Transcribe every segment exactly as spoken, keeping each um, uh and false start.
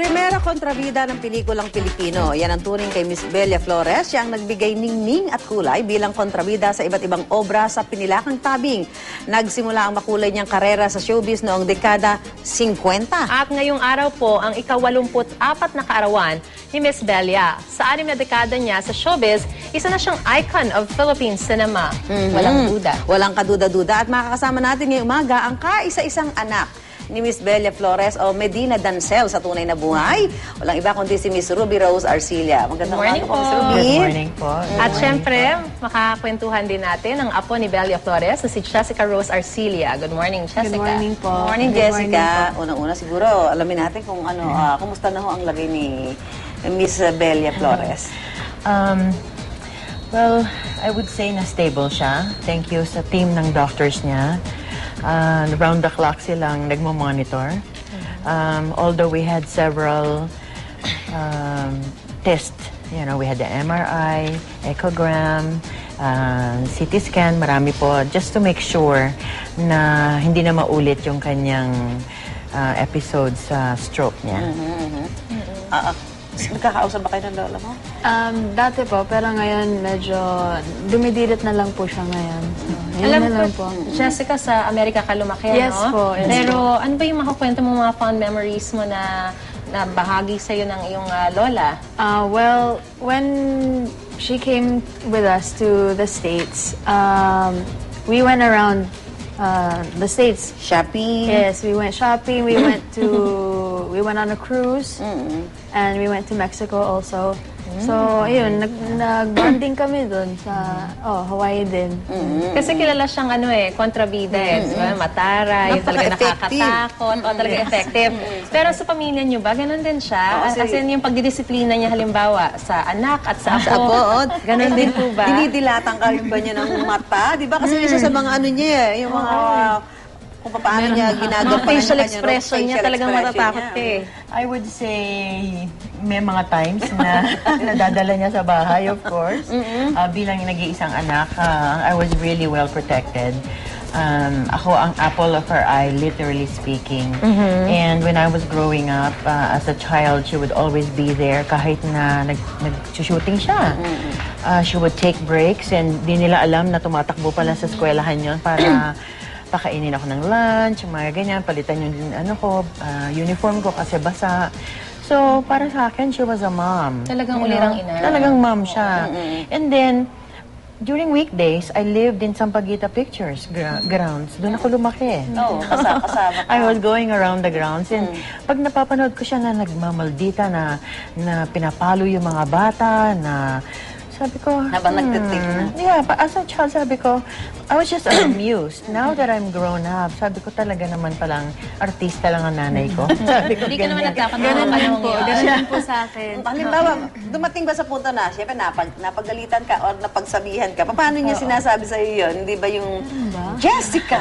Primera kontrabida ng pelikulang Pilipino. Yan ang turing kay Miss Belia Flores. Siya ang nagbigay ningning at kulay bilang kontrabida sa iba't ibang obra sa pinilakang tabing. Nagsimula ang makulay niyang karera sa showbiz noong dekada singkwenta. At ngayong araw po, ang ikawalumput apat na kaarawan ni Miss Belia. Sa anim na dekada niya sa showbiz, isa na siyang icon of Philippine cinema. Mm-hmm. Walang duda. Walang kaduda-duda. At makakasama natin ngayong umaga ang kaisa-isang anak ni Miss Belia Flores o Medina Dancel sa tunay na buhay. Walang iba kundi si Miss Ruby Rose Arcilla. Magandang Good morning umaga po, Miss po. Ruby. Good morning po. At syempre, makakakwentuhan din natin ang apo ni Belia Flores na si Jessica Rose Arcilla. Good morning, Jessica. Good morning po. Good morning, Good Jessica. morning Unang-una siguro, alamin natin kung ano, ah, kumusta na ho ang lagay ni Miss Belia Flores. Um, well, I would say na stable siya. Thank you sa team ng doctors niya. Uh, round the clock silang nagmo-monitor. Um, although we had several um, tests, you know, we had the M R I, echogram, uh, C T scan, marami po, just to make sure na hindi na maulit yung kanyang uh, episode sa stroke niya. Mm-hmm, mm-hmm. Ah, ah, nagkakausap ba kayo ng lola mo? Um, dati po, pero ngayon medyo dumidilit na lang po siya ngayon. So, yun Alam na ko, lang po. Jessica, sa Amerika ka lumaki, Yes no? po, yes Pero ano ba yung makakwento mo mga fond memories mo na na bahagi sa'yo ng iyong uh, lola? Uh, well, when she came with us to the States, um, we went around uh, the States. Shopping? Yes, we went shopping, we went to, we went on a cruise, Mm-hmm. and we went to Mexico also. So, ayun, nag, nag-bonding kami dun sa, oh, Hawaii din. Mm-hmm. Kasi kilala siyang ano eh, kontrabida eh. Diba? Matara, yung talaga Napaka-effective. nakakatakot, o talaga effective. Pero sa pamilya niyo ba, ganun din siya? Oo, As kasi- in, yung pagdidisiplina niya halimbawa sa anak at sa apo. Sa apo, oh. Ganun din po ba? Dinidilatan ka rin ba niya ng mata? Di ba? Kasi isa sa mga ano niya, eh, yung mga kung paano niya ginagawa Mga facial expression niya, talagang matatakot ka eh. I would say may mga times na nadadala niya sa bahay, of course. Uh, bilang nag-iisang anak, uh, I was really well protected. Um, ako ang apple of her eye, literally speaking. And when I was growing up, uh, as a child, she would always be there kahit na nag, nag-shooting siya. Uh, she would take breaks and di nila alam na tumatakbo pala sa eskwelahan yun para pakainin ako ng lunch, mga ganyan, palitan yung ano ko, uh, uniform ko kasi basa. So, para sa akin, she was a mom. Talagang You ulirang know? ina. Talagang mom siya. And then, during weekdays, I lived in Sampaguita Pictures gra- grounds. Doon ako lumaki. Oo, kasama, kasama ka. I was going around the grounds and pag napapanood ko siya na nagmamaldita na, na pinapalo yung mga bata, na sabi ko, Habang nagtitik na. yeah, but as a child, sabi ko, I was just amused. Now that I'm grown up, sabi ko talaga naman palang artista lang ang nanay ko. Sabi ko, Hindi ka naman ganyan. nagkakatawa Ganun din panahon po, yun. ganun din po sa akin. Halimbawa, dumating ba sa punto na, siyempre napag, napagalitan ka or napagsabihan ka, paano niya sinasabi sa'yo yun? Hindi ba yung, Jessica!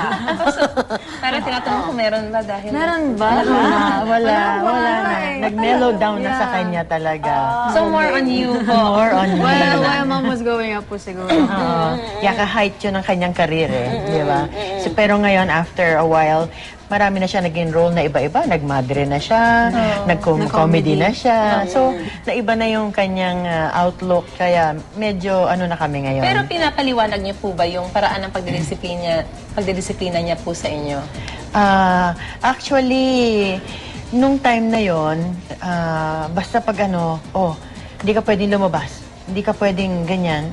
Pero tinatanong ko meron ba dahil... Meron ba? Wala, wala, wala na. eh. Nag-mellow down na sa Yeah. kanya talaga. So more on you po. More on me. While, while mom was growing up po siguro. Oo. Yaka height yun ang kanyang karir eh. Di ba? So, pero ngayon, after a while, marami na siya naging role na iba-iba. Nagmadre na siya, nag-comedy na siya. So, naiba na yung kanyang uh, outlook. Kaya medyo ano na kami ngayon. Pero pinapaliwanag niyo po ba yung paraan ng pagdidisiplina, pagdidisiplina niya po sa inyo? Ah, actually, nung time na yon, ah, basta pag ano, oh, hindi ka pwedeng lumabas, hindi ka pwedeng ganyan,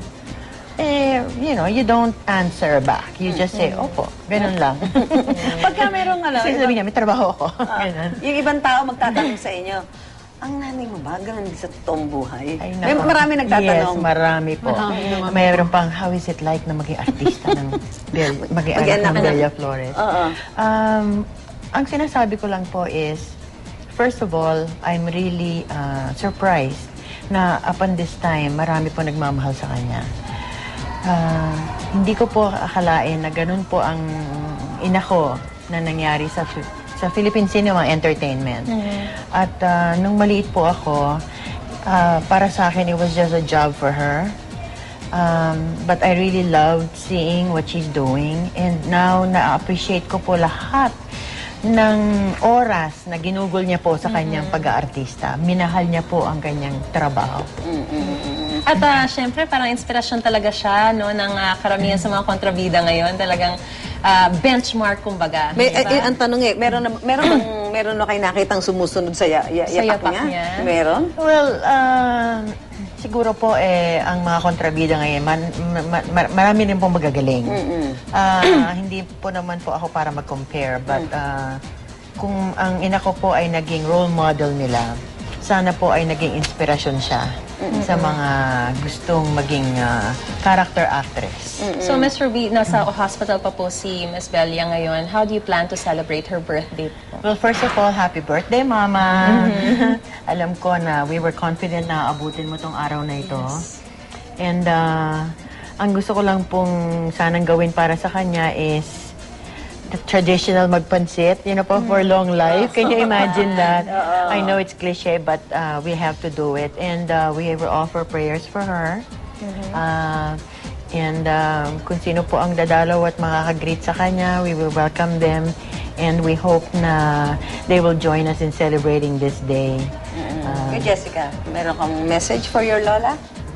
eh, you know, you don't answer back. You just say, opo, ganun lang. Pagka merong, alam, Kasi sabi niya, may trabaho ako. Ah, Ganun. yung ibang tao magtatanong sa inyo, ang nanay mo ba, ganun din sa totoong buhay? Ay, May nako. marami nagtatanong. Yes, marami po. Marami naman Mayroon pang, how is it like na maging artista ng Bel, maging anak Mag-anak ng ka ng- Belia Flores? Oo. Um, ang sinasabi ko lang po is, first of all, I'm really uh, surprised na upon this time, marami po nagmamahal sa kanya. Ah, hindi ko po akalain na ganun po ang ina ko na nangyari sa sa Philippine Cinema Entertainment. At ah, nung maliit po ako, ah, para sa akin, it was just a job for her. Um, but I really loved seeing what she's doing. And now, na-appreciate ko po lahat ng oras na ginugol niya po sa kanyang pag-aartista. Minahal niya po ang kanyang trabaho. At uh, syempre, parang inspirasyon talaga siya no, ng uh, karamihan sa mga kontrabida ngayon. Talagang uh, benchmark, kumbaga. May, diba? eh, eh, ang tanong eh, meron na, meron bang, meron na kayo nakitang sumusunod sa, ya, ya, Sa yapak yapak niya? niya? Meron? Well, uh, siguro po eh, ang mga kontrabida ngayon, man, ma, ma, marami rin pong magagaling. Ah, hindi po naman po ako para mag-compare, but uh, kung ang ina ko po ay naging role model nila, sana po ay naging inspirasyon siya sa mga gustong maging uh, character actress. So, Miss Ruby, nasa hospital pa po si Miss Belia ngayon. How do you plan to celebrate her birthday po? Well, first of all, happy birthday, Mama! Alam ko na we were confident na abutin mo tong araw na ito. And uh, ang gusto ko lang pong sanang gawin para sa kanya is the traditional magpansit, you know po, for long life. Can you imagine that? I know it's cliche, but uh, we have to do it. And uh, we will offer prayers for her. Uh, and um, kung sino po ang dadalaw at makaka-greet sa kanya, we will welcome them. And we hope na they will join us in celebrating this day. Uh, Kay Jessica, meron kang message for your lola?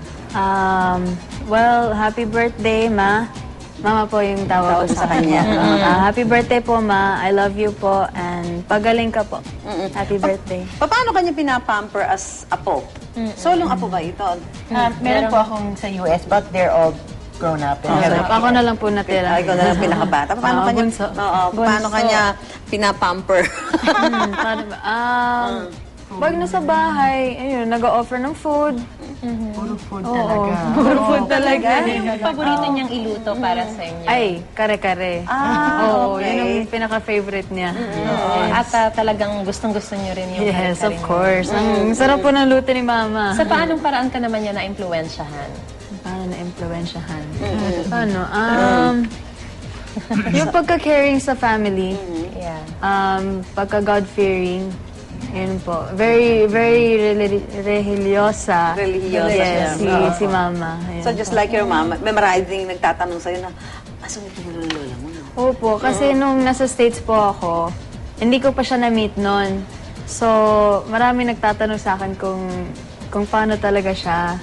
Um, well, happy birthday, Ma. Mama po yung tawag ko sa kanya. Ah, happy birthday po, Ma. I love you po. And pagaling ka po. Happy birthday. Pa- Paano kanya pinapamper as apo? Solong apo ba ito? uh, meron po akong sa U S, but they're all grown up. And So, have- ako na lang po natira. Ay, ikaw na lang pinakabata. Paano Ah, kanya, bunso. Oo, paano Bunso. kanya pinapamper? Hmm, paano ba? Um, pag nasa bahay, ayun, nag-o-offer ng food. Puro food talaga. Puro food talaga. Yung paborito niyang iluto para sa inyo? Ay, kare-kare. Ah, Oo, okay. yun ang pinaka-favorite niya. Oo. At uh, talagang gustong-gusto niyo rin yung Yes, of kare-kare niyo. course. Ang sarap po ng luto ni Mama. Sa paanong paraan ka naman niya na-impluensyahan? Paano na-impluensyahan? Paano? Um, yung pagka-caring sa family, Yeah. um, pagka-God-fearing, yun po. Very, very reli- religyosa. Religyosa Yes, si, siya. si Mama. Ayun So just po. like your mama, memorizing, nagtatanong sa'yo na, asan ito mo ng lola mo? No? Opo, kasi nung nasa States po ako, hindi ko pa siya na-meet noon. So, marami nagtatanong sa akin kung kung paano talaga siya.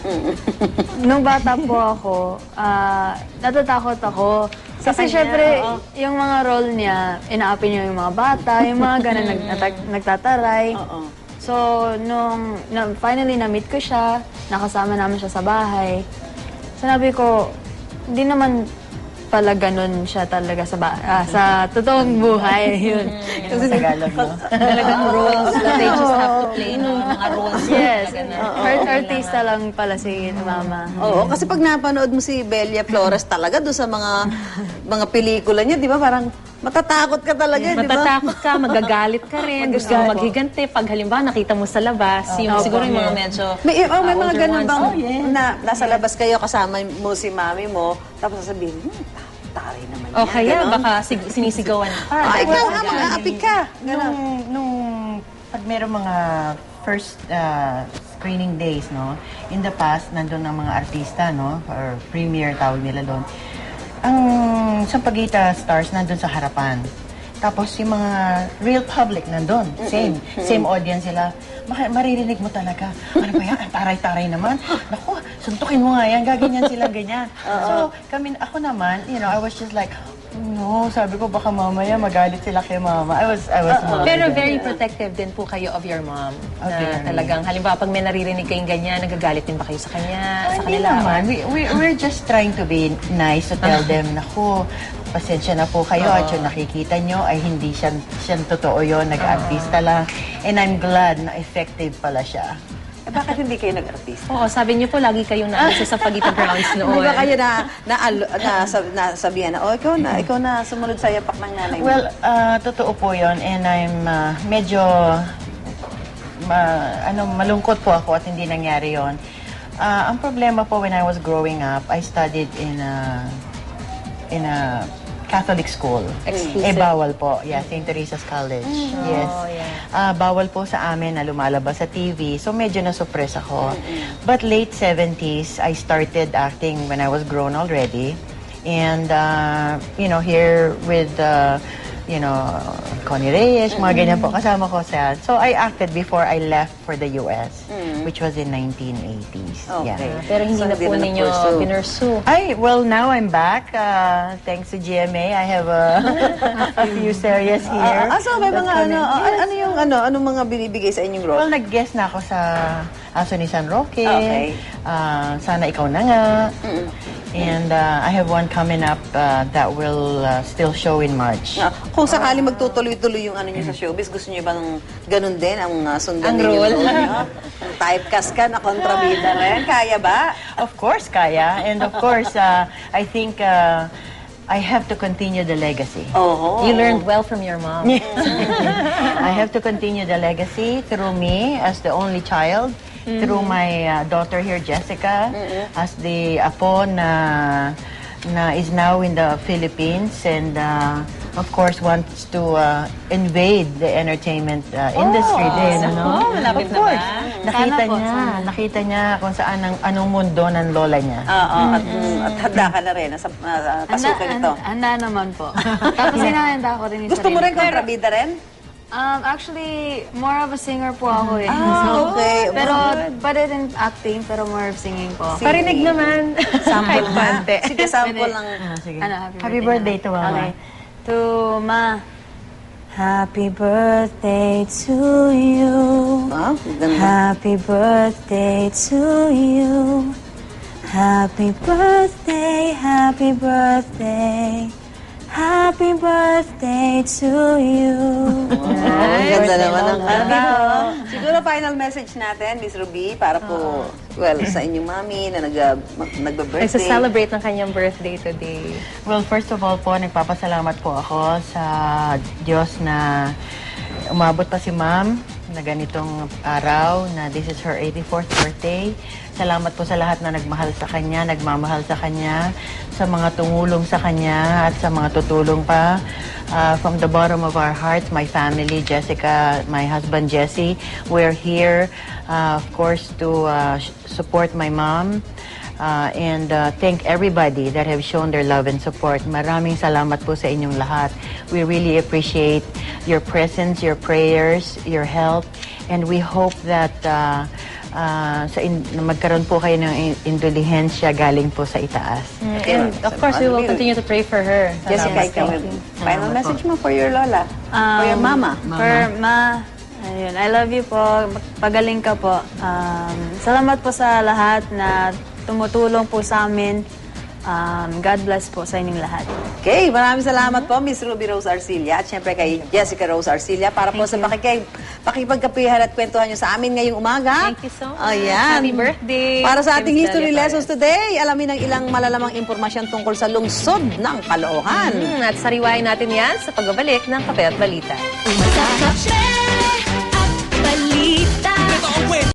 Nung bata po ako, ah, natatakot ako. Kasi syempre, yung mga role niya, inaapi niya yung mga bata, yung mga ganun nag, nata- nagtataray. Oo. So, nung na, finally na-meet ko siya, nakasama namin siya sa bahay, sinabi ko, hindi naman pala ganun siya talaga sa, ba- ah, sa totoong buhay. Yun. Yung sa Tagalog, no? Talagang roles that they just have to play, no? Yung mga roles Yes, talaga na. art artista lang pala si Mama. Oo, kasi pag napanood mo si Belia Flores talaga doon sa mga mga pelikula niya, di ba? Parang matatakot ka talaga, di ba? Matatakot ka, magagalit ka rin, gusto mo maghiganti. Pag halimbawa nakita mo sa labas, yung siguro yung mga medyo May, oh, may uh, mga older ganun ones. bang Oh, yes. na nasa labas kayo kasama mo si mami mo, tapos sasabihin, hmm, taray naman O yan. kaya Ganon. baka sig- sinisigawan ka. Ah, ikaw Dahil nga, sa mag-aapik ka. Nung, nung pag meron mga first uh, screening days, no, in the past, nandun ang mga artista, no, or premiere, tawag nila doon. Ang Sampaguita stars nandun sa harapan. Tapos yung mga real public nandun. Same. Same audience sila. Maka, maririnig mo talaga. Ano ba yan? Ang taray-taray naman. Naku, suntukin mo nga yan. Gaganyan sila, ganyan. So, kami, ako naman, you know, I was just like, no, sabi ko baka mamaya magalit sila kay mama. I was, I was worried. Pero very protective din po kayo of your mom. Oh, Na very. talagang, halimbawa, pag may naririnig kayong ganyan, nagagalit din ba kayo sa kanya, sa Hindi kanila? naman. We, we, we're just trying to be nice to tell them, naku, pasensya na po kayo at yung nakikita nyo ay hindi siya, siya totoo yun, nag-artista lang. And I'm glad na effective pala siya. Eh, bakit hindi kayo nag-artista? Oo, sabi niyo po, lagi kayong nandun sa Sampaguita grounds noon. Di ba kayo na, na, na, na, na sabihan na, oh, ikaw na, ikaw na sumunod sa yapak ng nanay mo? Well, uh, totoo po yun. And I'm uh, medyo ma, ano, malungkot po ako at hindi nangyari yon. Uh, ang problema po when I was growing up, I studied in a, in a Catholic school. Eh, Exclusive. bawal po. Yeah, Saint Teresa's College. Yes. Oh, yeah. Ah, bawal po sa amin na lumalabas sa T V. So, medyo na-suppress ako. But late seventies, I started acting when I was grown already. And, uh, you know, here with uh, you know, Connie Reyes, mga ganyan po, kasama ko sa... So, I acted before I left for the U S, which was in nineteen eighties. Okay. Yeah. Pero hindi So, na hindi po na ninyo na-pursue. pinursue. Ay, well, now I'm back. Uh, thanks to G M A, I have a, a few series here. Ah, so may That's mga ano, coming. ah, ano yung ano, anong mga binibigay sa inyong role? Well, nag-guest na ako sa Aso ni San Roque. Okay. Uh, Sana Ikaw Na Nga. And uh, I have one coming up uh, that will uh, still show in March. Ah, kung sakaling magtutuloy-tuloy yung ano niyo sa showbiz, gusto niyo bang ganun din ang uh, sundan Ang ninyo role? yung niyo? Ang typecast ka na kontrabida rin, kaya ba? Of course, kaya. And of course, uh, I think uh, I have to continue the legacy. Oo. You learned well from your mom. I have to continue the legacy through me as the only child, through my uh, daughter here, Jessica, as the apo na, na is now in the Philippines and uh, of course wants to uh, invade the entertainment uh, industry din. Ano? malapit of na course. ba? Nakita Sana po, niya, sana. nakita niya kung saan ang, anong mundo ng lola niya. Oo, at, mm, at handa ka na rin sa uh, pasukan Handa, ito. handa naman po. Tapos hinahanda ko rin yung Gusto mo sarili rin ko. kontrabida rin? Um, actually, more of a singer po ako eh. Ah, okay. Pero, Good. pwede din acting, pero more of singing po. Si- Parinig naman. Sample Kahit na. konti. Sige, sample Pwede. lang. Ah, sige. Ano, happy, Happy birthday to Mama. Okay. To Ma. Happy birthday to you. Ah, ganda. Happy birthday to you. Happy birthday, happy birthday. Happy birthday to you. Ang ganda naman ang kanta. Siguro final message natin, Miss Ruby, para po, well, sa inyong mami na nag, mag- nagbe-birthday. Nagsa-celebrate ng kanyang birthday today. Well, first of all po, nagpapasalamat po ako sa Diyos na umabot pa si Ma'am na ganitong araw, na this is her eighty-fourth birthday. Salamat po sa lahat na nagmahal sa Kanya, nagmamahal sa Kanya, sa mga tumulong sa Kanya at sa mga tutulong pa. Uh, from the bottom of our hearts, my family, Jessica, my husband Jesse, we're here, uh, of course, to uh, sh- support my mom. Uh, and uh, thank everybody that have shown their love and support. Maraming salamat po sa inyong lahat. We really appreciate your presence, your prayers, your help, and we hope that uh, uh, sa in- na magkaroon po kayo ng in- indulihensya galing po sa itaas. And of course, we will continue to pray for her. Jessica, ikaw, final message mo for your lola, for your Um, mama. For Ma, ayun, I love you po. Pagaling ka po. Um, salamat po sa lahat na tumutulong po sa amin. Um, God bless po sa inyong lahat. Okay, maraming salamat po, Miss Ruby Rose Arcilla, at syempre kay Jessica Rose Arcilla, para po sa pakikay, pakipagkapihan at kwentuhan nyo sa amin ngayong umaga. Thank you so much. Ayan. Happy birthday. Para sa ating Miss history Delia lessons today, alamin ang ilang malalamang impormasyon tungkol sa lungsod ng Caloocan. Hmm, at sariwain natin yan sa pagbabalik ng Kape at Balita. What's up, Chef?